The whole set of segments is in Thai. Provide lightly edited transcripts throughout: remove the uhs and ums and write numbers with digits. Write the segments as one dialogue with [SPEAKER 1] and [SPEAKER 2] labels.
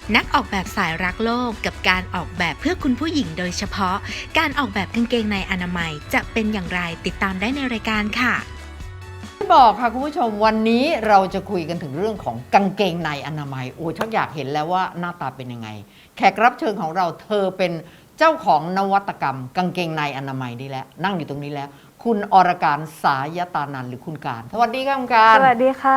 [SPEAKER 1] นักออกแบบสายรักโลกกับการออกแบบเพื่อคุณผู้หญิงโดยเฉพาะการออกแบบกางเกงในอนามัยจะเป็นอย่างไรติดตามได้ในรายการค่ะ
[SPEAKER 2] บอกค่ะคุณผู้ชมวันนี้เราจะคุยกันถึงเรื่องของกางเกงในอนามัยโอ้ชักอยากเห็นแล้วว่าหน้าตาเป็นยังไงแขกรับเชิญของเราเธอเป็นเจ้าของนวัตกรรมกางเกงในอนามัยนี่แหละนั่งอยู่ตรงนี้แล้วคุณอรการสายตานันท์หรือคุณการสวัสดีค่ะคุณการ
[SPEAKER 3] สวัสดีค่ะ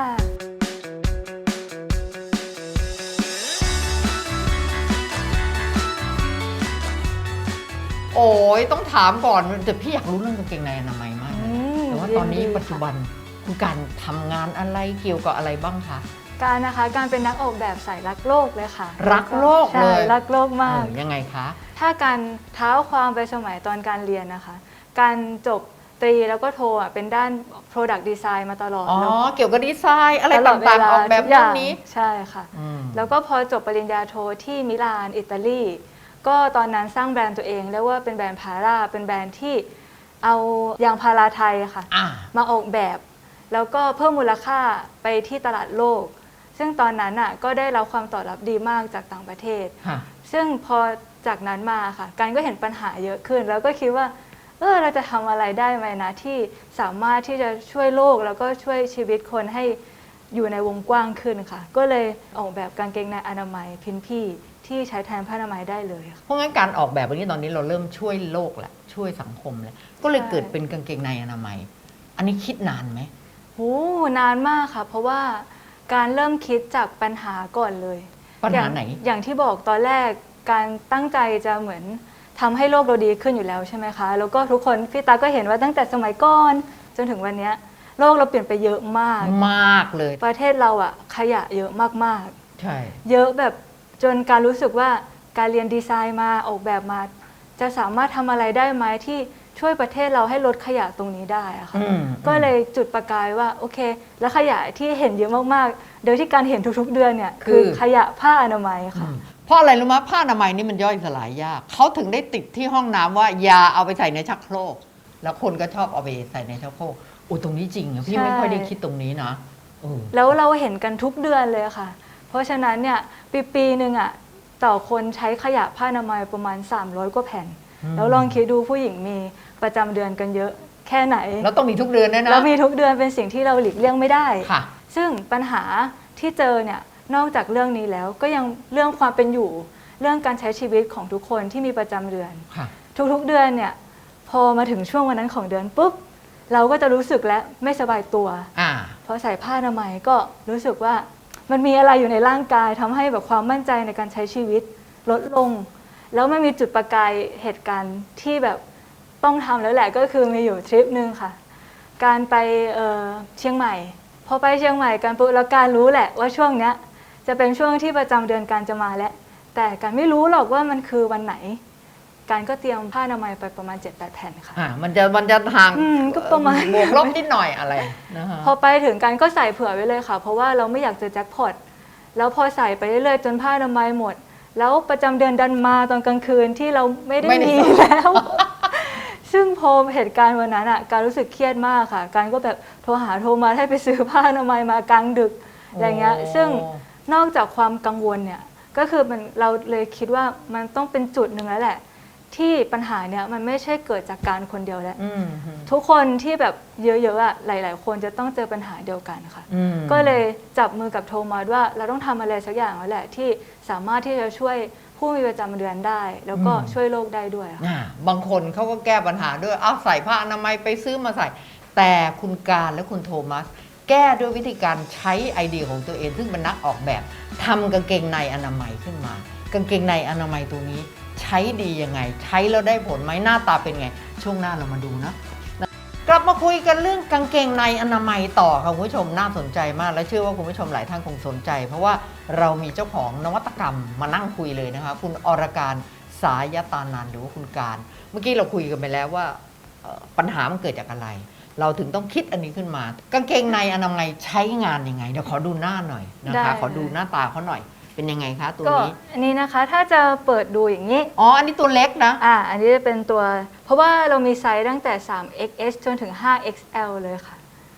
[SPEAKER 2] โอ้ยต้องถามก่อนแต่พี่อยากรู้เรื่องกางเกงในอนามัยมากเลยแต่ว่าตอนนี้ปัจจุบันคุณการทำงานอะไรเกี่ยวกับอะไรบ้างคะ
[SPEAKER 3] การนะคะการเป็นนักออกแบบสายรักโลกเลยค่ะ
[SPEAKER 2] รักโลกเลย
[SPEAKER 3] รักโลกมาก
[SPEAKER 2] ยังไงคะ
[SPEAKER 3] ถ้าการเท้าความไปสมัยตอนการเรียนนะคะการจบตรีแล้วก็โทเป็นด้าน Product Design มาตลอด
[SPEAKER 2] เกี่ยวกับดีไซน์อะไรต่างๆออกแบบพวกนี้
[SPEAKER 3] ใช่ค่ะแล้วก็พอจบปริญญาโทที่มิลานอิตาลีก็ตอนนั้นสร้างแบรนด์ตัวเองเรียกว่าเป็นแบรนด์พาราเป็นแบรนด์ที่เอายางพาราไทยค่ะมาออกแบบแล้วก็เพิ่มมูลค่าไปที่ตลาดโลกซึ่งตอนนั้นก็ได้รับความตอบรับดีมากจากต่างประเทศซึ่งพอจากนั้นมาค่ะการก็เห็นปัญหาเยอะขึ้นแล้วก็คิดว่าเราจะทำอะไรได้ไหมนะที่สามารถที่จะช่วยโลกแล้วก็ช่วยชีวิตคนให้อยู่ในวงกว้างขึ้นค่ะก็เลยออกแบบกางเกงในอนามัยพินพี่ที่ใช้แทนผ้าอนามัยได้เลย
[SPEAKER 2] เพราะงั้นการออกแบบวันนี้ตอนนี้เราเริ่มช่วยโลกแหละช่วยสังคมแล้วก็เลยเกิดเป็นกางเกงในอนามัยอันนี้คิดนานไหม
[SPEAKER 3] นานมากค่ะเพราะว่าการเริ่มคิดจากปัญหาก่อนเลย
[SPEAKER 2] ปัญหาไหน
[SPEAKER 3] อย่างที่บอกตอนแรกการตั้งใจจะเหมือนทำให้โลกเราดีขึ้นอยู่แล้วใช่ไหมคะแล้วก็ทุกคนพี่ตาก็เห็นว่าตั้งแต่สมัยก่อนจนถึงวันนี้โลกเราเปลี่ยนไปเยอะมาก
[SPEAKER 2] เลย
[SPEAKER 3] ประเทศเราขยะเยอะมาก
[SPEAKER 2] ๆใช่
[SPEAKER 3] เยอะแบบจนการรู้สึกว่าการเรียนดีไซน์มาออกแบบมาจะสามารถทำอะไรได้ไหมที่ช่วยประเทศเราให้ลดขยะตรงนี้ได้อะค่ะก็เลยจุดประกายว่าโอเคแล้วขยะที่เห็นเยอะมากๆโดยที่การเห็นทุกๆเดือนเนี่ยคือขยะผ้าอนามัยค่ะ
[SPEAKER 2] เพราะอะไรรู้ไหมผ้าอนามัยนี่มันย่อยสลายยากเขาถึงได้ติดที่ห้องน้ำว่าอย่าเอาไปใส่ในชักโครกแล้วคนก็ชอบเอาไปใส่ในชักโครกตรงนี้จริงอะพี่ไม่ค่อยได้คิดตรงนี้นะ
[SPEAKER 3] แล้วเราเห็นกันทุกเดือนเลยค่ะเพราะฉะนั้นเนี่ยปีหนึ่งต่อคนใช้ขยะผ้าอนามัยประมาณ300กว่าแผ่นแล้วลองคิดดูผู้หญิงมีประจำเดือนกันเยอะแค่ไหน
[SPEAKER 2] แล้วต้องมีทุกเดือนนะ
[SPEAKER 3] แล้วมีทุกเดือนเป็นสิ่งที่เราหลีกเลี่ยงไม่ได้
[SPEAKER 2] ค่ะ
[SPEAKER 3] ซึ่งปัญหาที่เจอเนี่ยนอกจากเรื่องนี้แล้วก็ยังเรื่องความเป็นอยู่เรื่องการใช้ชีวิตของทุกคนที่มีประจำเดือนทุกๆเดือนเนี่ยพอมาถึงช่วงวันนั้นของเดือนปุ๊บเราก็จะรู้สึกและไม่สบายตัวพอใส่ผ้าอนามัยก็รู้สึกว่ามันมีอะไรอยู่ในร่างกายทำให้แบบความมั่นใจในการใช้ชีวิตลดลงแล้วไม่มีจุดประกายเหตุการณ์ที่แบบต้องทำแล้วแหละก็คือมีอยู่ทริปนึงค่ะการไปเชียงใหม่พอไปเชียงใหม่กันปุ๊บแล้วการรู้แหละว่าช่วงเนี้ยจะเป็นช่วงที่ประจำเดือนการจะมาแล้วแต่การไม่รู้หรอกว่ามันคือวันไหนการก็เตรียมผ้าอนามัยไปประมาณ 7-8 แผ่นค่ะ
[SPEAKER 2] มันจะทาง
[SPEAKER 3] ก็ประมาณ
[SPEAKER 2] บวกลบนิดหน่อยอะไรนะคะ
[SPEAKER 3] พอไปถึงการก็ใส่เผื่อไว้เลยค่ะเพราะว่าเราไม่อยากเจอแจ็คพอตแล้วพอใส่ไปเรื่อยๆจนผ้าอนามัยหมดแล้วประจำเดือนดันมาตอนกลางคืนที่เราไม่ได้มีแล้วซึ่งพอเหตุการณ์วันนั้นการรู้สึกเครียดมากค่ะการก็แบบโทรมาให้ไปซื้อผ้าอนามัยมากลางดึกอะไรเงี้ยซึ่งนอกจากความกังวลเนี่ยก็คือเราเลยคิดว่ามันต้องเป็นจุดหนึ่งแล้วแหละที่ปัญหาเนี่ยมันไม่ใช่เกิดจากการคนเดียวแล้วทุกคนที่แบบเยอะๆหลายๆคนจะต้องเจอปัญหาเดียวกันค่ะก็เลยจับมือกับโทมัสว่าเราต้องทำอะไรสักอย่างแล้วแหละที่สามารถที่จะช่วยผู้มีประจำเดือนได้แล้วก็ช่วยโลกได้ด้วย
[SPEAKER 2] บางคนเขาก็แก้ปัญหาด้วยใส่ผ้าอนามัยไปซื้อมาใส่แต่คุณการและคุณโทมัสแก้ด้วยวิธีการใช้ไอเดียของตัวเองซึ่งเป็นนักออกแบบทำกางเกงในอนามัยขึ้นมากางเกงในอนามัยตัวนี้ใช้ดียังไงใช้แล้วได้ผลไหมหน้าตาเป็นไงช่วงหน้าเรามาดูนะกลับมาคุยกันเรื่องกางเกงในอนามัยต่อค่ะคุณผู้ชมน่าสนใจมากและเชื่อว่าคุณผู้ชมหลายท่านคงสนใจเพราะว่าเรามีเจ้าของนวัตกรรมมานั่งคุยเลยนะคะคุณอรการสายตานันท์หรือว่าคุณการเมื่อกี้เราคุยกันไปแล้วว่าปัญหามันเกิดจากอะไรเราถึงต้องคิดอันนี้ขึ้นมากางเกงในอนามัยใช้งานยังไงเดี๋ยวขอดูหน้าหน่อยนะคะขอดูหน้าตาเขาหน่อยเป็นยังไงคะตัวนี้
[SPEAKER 3] อันนี้นะคะถ้าจะเปิดดูอย่างนี้
[SPEAKER 2] อันนี้ตัวเล็กนะ
[SPEAKER 3] อันนี้จะเป็นตัวเพราะว่าเรามีไซส์ตั้งแต่ 3XS จนถึง 5XL เลยค่ะ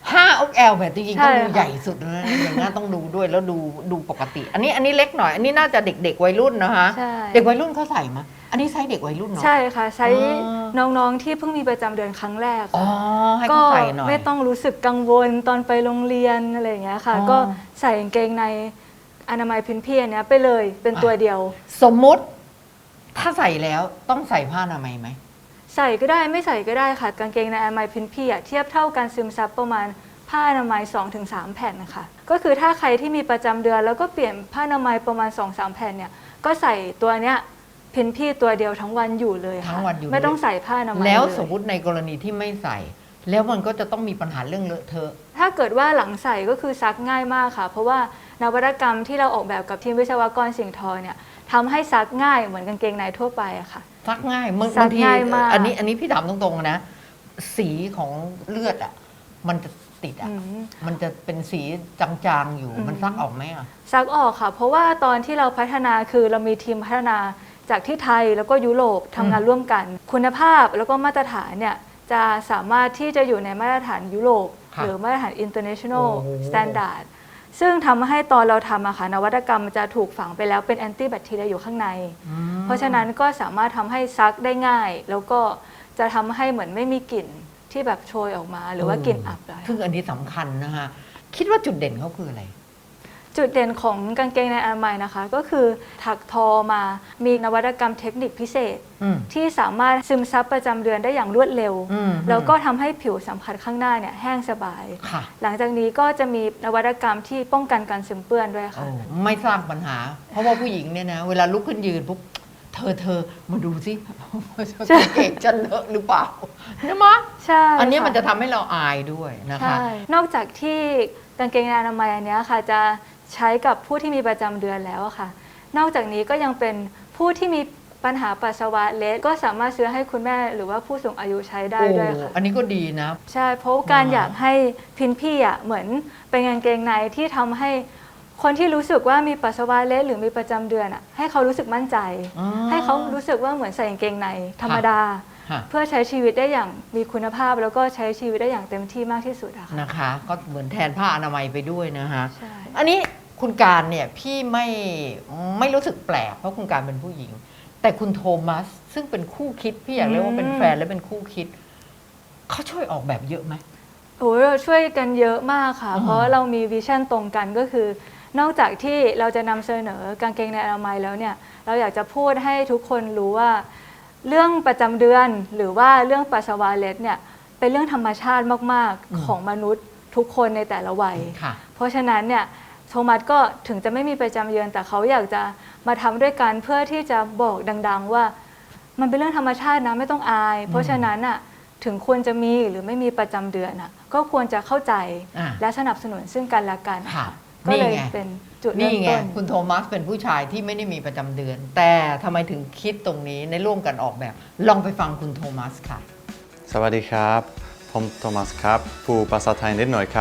[SPEAKER 2] ผ้าอกแอลแบบจริงๆ
[SPEAKER 3] ใช่
[SPEAKER 2] ต้องดู
[SPEAKER 3] ค่ะ
[SPEAKER 2] ใหญ่สุดนะอย่างนั้นต้องดูด้วยแล้วดูปกติ อันนี้เล็กหน่อย อันนี้น่าจะเด็กๆวัยรุ่นนะคะ
[SPEAKER 3] ใช่
[SPEAKER 2] เด็กวัยรุ่นเขาใส่มาอันนี้ไซส์เด็กวัยรุ่นเนาะ
[SPEAKER 3] ใช่ค่ะใช้
[SPEAKER 2] อ๋อ
[SPEAKER 3] น้องๆที่เพิ่งมีประจำเดือนครั้งแรก
[SPEAKER 2] อ๋อ
[SPEAKER 3] ค่ะ
[SPEAKER 2] ให้
[SPEAKER 3] ก็
[SPEAKER 2] เขาใส่หน่อย
[SPEAKER 3] ไม่ต้องรู้สึกกังวลตอนไปโรงเรียนอะไรอย่างเงี้ยค่ะ
[SPEAKER 2] อ๋อ
[SPEAKER 3] ก็ใส่กางเกงในอนามัยพื้นพี่อันเนี้ยไปเลยเป็นตัวเดียว
[SPEAKER 2] สมมุติถ้าใส่แล้วต้องใส่ผ้าอนามัยไหม
[SPEAKER 3] ใส่ก็ได้ไม่ใส่ก็ได้ค่ะกางเกงในอนามัยพื้นพี่อะเทียบเท่ากันซึมซับประมาณผ้าอนามัย 2-3 แผ่นนะคะก็คือถ้าใครที่มีประจำเดือนแล้วก็เปลี่ยนผ้าอนามัยประมาณ 2-3 แผ่นเนี่ยก็ใส่ตัวเนี้ยพื้นพี่ตัวเดียวทั้งวันอยู่เลยค่ะ
[SPEAKER 2] ทั้งวันอยู่
[SPEAKER 3] ไม่ต้องใส่ผ้าอนามัย
[SPEAKER 2] แล้ว
[SPEAKER 3] เย
[SPEAKER 2] สมมุติในกรณีที่ไม่ใส่ แล้วมันก็จะต้องมีปัญหาเรื่องเลอะเทอะ
[SPEAKER 3] ถ้าเกิดว่าหลังใส่ก็คือซักง่ายมากค่ะ เพราะว่านวัตกรรมที่เราออกแบบกับทีมวิศวกรสิ่งทอเนี่ยทำให้ซักง่ายเหมือนกางเกงในทั่วไปอะค่ะ
[SPEAKER 2] ซักง่าย
[SPEAKER 3] ซัก
[SPEAKER 2] บางที
[SPEAKER 3] ง่ายมาก
[SPEAKER 2] อันนี้พี่ถามตรงๆนะ สีของเลือดอ่ะมันจะติดอ่ะ
[SPEAKER 3] อืม
[SPEAKER 2] มันจะเป็นสีจางๆอยู่
[SPEAKER 3] อืม
[SPEAKER 2] มันซักออกไหมอ่ะ
[SPEAKER 3] ซักออกค่ะ เพราะว่าตอนที่เราพัฒนาคือเรามีทีมพัฒนาจากที่ไทยแล้วก็ยุโรปทำงานร่วมกัน คุณภาพแล้วก็มาตรฐานเนี่ยจะสามารถที่จะอยู่ในมาตรฐานยุโรป
[SPEAKER 2] ค่ะ
[SPEAKER 3] หรือมาตรฐาน international
[SPEAKER 2] โอ้
[SPEAKER 3] standard ซึ่งทำให้ตอนเราทำอะค่ะนวัตกรรมจะถูกฝังไปแล้วเป็นแอนตี้แบคทีเรียอยู่ข้างใน
[SPEAKER 2] อืม
[SPEAKER 3] เพราะฉะนั้นก็สามารถทำให้ซักได้ง่าย แล้วก็จะทำให้เหมือนไม่มีกลิ่นที่แบบโชยออกมา หรือว่ากลิ่นอับเลย
[SPEAKER 2] ซึ่งอันนี้สำคัญนะคะคิดว่าจุดเด่นเขาคืออะไร
[SPEAKER 3] จุดเด่นของกางเกงในอนามัยนะคะ ก็คือถักทอมามีนวัตกรรมเทคนิคพิเศษ
[SPEAKER 2] อืม
[SPEAKER 3] ที่สามารถซึมซับประจำเดือนได้อย่างรวดเร็ว
[SPEAKER 2] อืม
[SPEAKER 3] แล้วก็ทำให้ผิวสัมผัสข้างหน้าเนี่ยแห้งสบาย
[SPEAKER 2] ค่ะ
[SPEAKER 3] หลังจากนี้ก็จะมีนวัตกรรมที่ป้องกันการซึมเปื้อนด้วย
[SPEAKER 2] โอ้
[SPEAKER 3] ค่ะ
[SPEAKER 2] ไม่สร้างปัญหา เพราะว่าผู้หญิงเนี่ยนะเวลาลุกขึ้นยืนปุ๊บเธอมาดูสิ
[SPEAKER 3] ใช่
[SPEAKER 2] เกงจะเลอะหรือเปล่าใช่ไหม
[SPEAKER 3] ใช่
[SPEAKER 2] อันนี้
[SPEAKER 3] ค่
[SPEAKER 2] มันจะทำให้เราอายด้วยนะคะ
[SPEAKER 3] ใช่นอกจากที่กางเกงในอนามัยอันเนี้ยค่ะจะใช้กับผู้ที่มีประจำเดือนแล้วอะค่ะ นอกจากนี้ก็ยังเป็นผู้ที่มีปัญหาปัสสาวะเล็ดก็สามารถซื้อให้คุณแม่หรือว่าผู้สูงอายุใช้ได้ด้วยค่ะ
[SPEAKER 2] อันนี้ก็ดีนะ
[SPEAKER 3] ใช่เพราะการอยากให้พินพี่อ่ะเหมือนเป็นกางเกงในที่ทำให้คนที่รู้สึกว่ามีปัสสาวะเล็ดหรือมีประจำเดือนอ่ะให้เขารู้สึกมั่นใจ
[SPEAKER 2] อ๋อ
[SPEAKER 3] ให้เขารู้สึกว่าเหมือนใส่กางเกงในธรรมดา
[SPEAKER 2] ฮะ
[SPEAKER 3] เพื่อใช้ชีวิตได้อย่างมีคุณภาพแล้วก็ใช้ชีวิตได้อย่างเต็มที่มากที่สุดอะค่ะ
[SPEAKER 2] นะคะ ก็เหมือนแทนผ้าอนามัยไปด้วยนะคะ
[SPEAKER 3] ใช่
[SPEAKER 2] อันนี้คุณการเนี่ยพี่ไม่รู้สึกแปลกเพราะคุณการเป็นผู้หญิง แต่คุณโทมัสซึ่งเป็นคู่คิดพี่อยากเรียกว่าเป็นแฟนและเป็นคู่คิดเขาช่วยออกแบบเยอะไหม
[SPEAKER 3] โอ้ยเราช่วยกันเยอะมากค่ะ
[SPEAKER 2] อืม
[SPEAKER 3] เพราะเรามีวิชั่นตรงกันก็คือ นอกจากที่เราจะนำเสนอกางเกงในอนามัยแล้วเนี่ยเราอยากจะพูดให้ทุกคนรู้ว่า เรื่องประจำเดือนหรือว่าเรื่องปัสสาวะเล็ดเนี่ยเป็นเรื่องธรรมชาติมาก
[SPEAKER 2] อืม
[SPEAKER 3] ๆ ของมนุษย์ทุกคนในแต่ละวัย
[SPEAKER 2] ค่ะ
[SPEAKER 3] เพราะฉะนั้นเนี่ยโทมัสก็ถึงจะไม่มีประจำเดือนแต่เขาอยากจะมาทำด้วยกันเพื่อที่จะบอกดัง ๆ ว่ามันเป็นเรื่องธรรมชาตินะไม่ต้องอาย เพราะฉะนั้นอ่ะถึงควรจะมีหรือไม่มีประจำเดือนอ่ะก็ควรจะเข้าใจ
[SPEAKER 2] อ่า
[SPEAKER 3] และสนับสนุนซึ่งกันและกัน
[SPEAKER 2] ค่ะ
[SPEAKER 3] ก็เลย
[SPEAKER 2] นี่ไง
[SPEAKER 3] เป็นจุดเริ่
[SPEAKER 2] นี่
[SPEAKER 3] ม
[SPEAKER 2] ไง
[SPEAKER 3] ต้น
[SPEAKER 2] คุณโทมัสเป็นผู้ชายที่ไม่ได้มีประจำเดือน แต่ทำไมถึงคิดตรงนี้ในร่วมกันออกแบบ ลองไปฟังคุณโทมัสค่ะ
[SPEAKER 4] สวัสดีครับผมโทมัสครับผู้ภาษาไทยนิดหน่อยครับ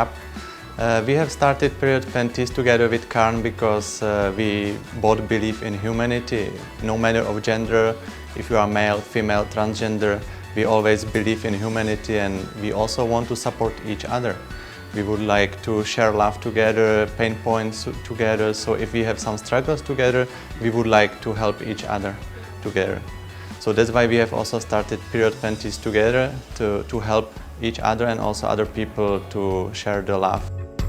[SPEAKER 4] We have started Period Panties together with Karn because we both believe in humanity, no matter of gender, if you are male, female, transgender, we always believe in humanity and we also want to support each other. We would like to share love together, pain points together, so if we have some struggles together, we would like to help each other together. So that's why we have also started Period Panties together to help each other and also other people to share the love.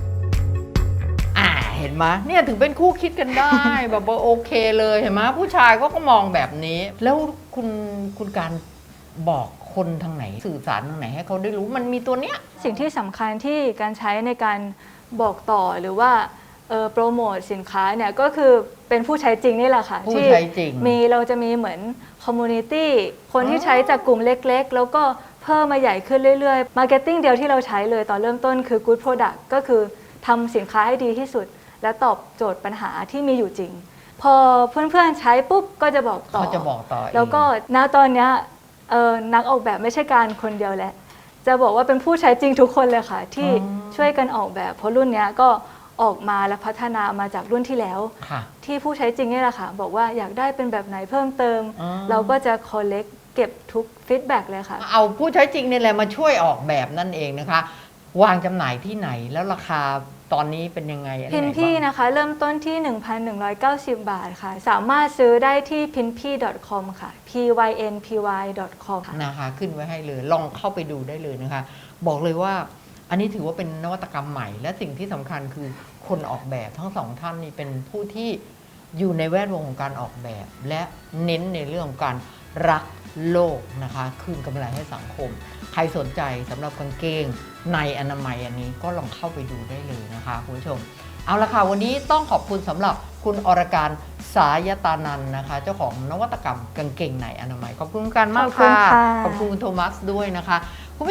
[SPEAKER 2] เห็นไหมเนี่ยถึงเป็นคู่คิดกันได้ แบบว่าโอเคเลยเห็นไหมผู้ชายเขาก็มองแบบนี้ แล้วคุณการบอกคนทางไหนสื่อสารทางไหนให้เขาได้รู้มันมีตัวเนี้ย
[SPEAKER 3] สิ่งที่สำคัญที่การใช้ในการบอกต่อหรือว่าโปรโมทสินค้าเนี่ยก็คือเป็นผู้ใช้จริงนี่แหละค่ะ
[SPEAKER 2] ผู้ใช้จริง
[SPEAKER 3] เราจะมีเหมือนคอมมูนิตี้คนที่ใช้จากกลุ่มเล็กๆ แล้วก็เพิ่มมาใหญ่ขึ้นเรื่อยๆมาร์เก็ตติ้งเดียวที่เราใช้เลยตอนเริ่มต้นคือ Good Product ก็คือทำสินค้าให้ดีที่สุด และตอบโจทย์ปัญหาที่มีอยู่จริง พอเพื่อนๆใช้ปุ๊บก็จะบอกต่อ
[SPEAKER 2] เขาจะบอกต่อเอง
[SPEAKER 3] แล้วก็ณตอนเนี้ยนักออกแบบไม่ใช่การคนเดียวแหละ จะบอกว่าเป็นผู้ใช้จริงทุกคนเลยค่ะ ที่ช่วยกันออกแบบ เพราะรุ่นเนี้ยก็ออกมาและพัฒนามาจากรุ่นที่แล้ว
[SPEAKER 2] ค่ะ
[SPEAKER 3] ที่ผู้ใช้จริงนี่แหละค่ะ บอกว่าอยากได้เป็นแบบไหนเพิ่มเติม
[SPEAKER 2] อ๋อ
[SPEAKER 3] เราก็จะ collect เก็บทุกฟีดแบ็กเลยค่ะ
[SPEAKER 2] เอาผู้ใช้จริงนี่แหละมาช่วยออกแบบนั่นเองนะคะวางจำหน่ายที่ไหนแล้วราคาตอนนี้เป็นยังไงอันไห
[SPEAKER 3] พิน
[SPEAKER 2] น
[SPEAKER 3] พี่
[SPEAKER 2] บ้าง
[SPEAKER 3] นะคะ เริ่มต้นที่ 1,190 บาทค่ะ สามารถซื้อได้ที่ pinpy.com ค่ะ pynpy.com ค่ะ
[SPEAKER 2] นะคะขึ้นไว้ให้เลยลองเข้าไปดูได้เลยนะคะ บอกเลยว่าอันนี้ถือว่าเป็นนวัตกรรมใหม่ และสิ่งที่สำคัญคือคนออกแบบทั้งสองท่านนี่เป็นผู้ที่อยู่ในแวดวงของการออกแบบ และเน้นในเรื่องของการรักโลกนะคะคืนกำไรให้สังคม ใครสนใจสำหรับกางเกงในอนามัยอันนี้ก็ลองเข้าไปดูได้เลยนะคะคุณผู้ชม เอาละค่ะวันนี้ต้องขอบคุณสำหรับคุณอรการสายตานันท์นะคะ เจ้าของนวัตกรรมกางเกงในอนามัยขอบคุณการมาก
[SPEAKER 3] ขอบคุณ
[SPEAKER 2] ค่ะ
[SPEAKER 3] ค่ะ
[SPEAKER 2] ขอบคุณคุณโทมัสด้วยนะคะ